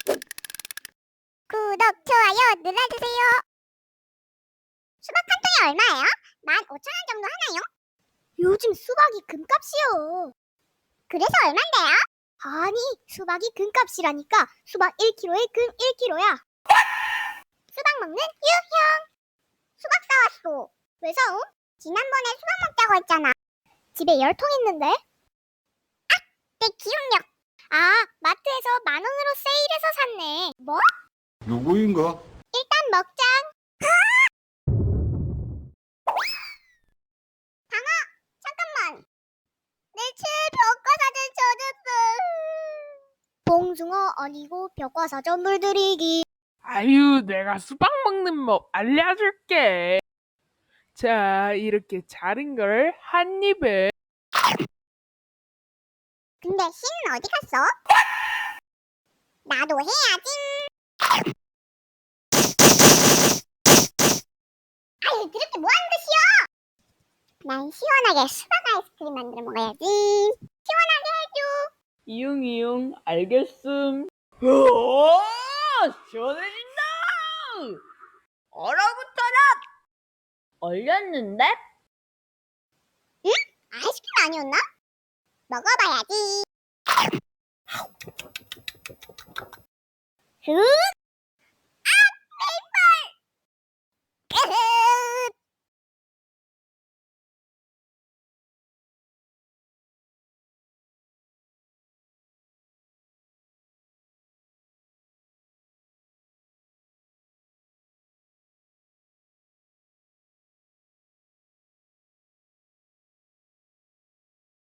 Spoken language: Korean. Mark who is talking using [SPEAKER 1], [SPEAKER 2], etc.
[SPEAKER 1] 구독, 좋아요 눌러주세요. 수박 한 통에 얼마예요? 15,000원 정도 하나요? 요즘 수박이 금값이요. 그래서 얼만데요? 아니, 수박이 금값이라니까 수박 1kg에 금 1kg야. 수박 먹는 유형. 수박 사왔어. 왜 사옴? 지난번에 수박 먹자고 했잖아. 집에 10통 있는데. 내 기억력. 아, 마트에서 10,000원으로 세일해서 샀네. 뭐?
[SPEAKER 2] 누구인가?
[SPEAKER 1] 일단 먹자. 방아, 잠깐만. 내 최애 벽과사전 젖었어. 봉숭어 아니고 벽과사전 물들이기.
[SPEAKER 3] 아유, 내가 수박 먹는 법 알려줄게. 자, 이렇게 자른 걸 한 입에.
[SPEAKER 1] 근데 씨는 어디 갔어? 나도 해야지. 아유, 그렇게 뭐 하는 짓이야? 난 시원하게 수박 아이스크림 만들어 먹어야지. 시원하게 해줘.
[SPEAKER 3] 이응, 알겠음. 오, 시원해진다! 얼어붙어라! 얼렸는데?
[SPEAKER 1] 응? 아이스크림 아니었나? 먹어봐야지.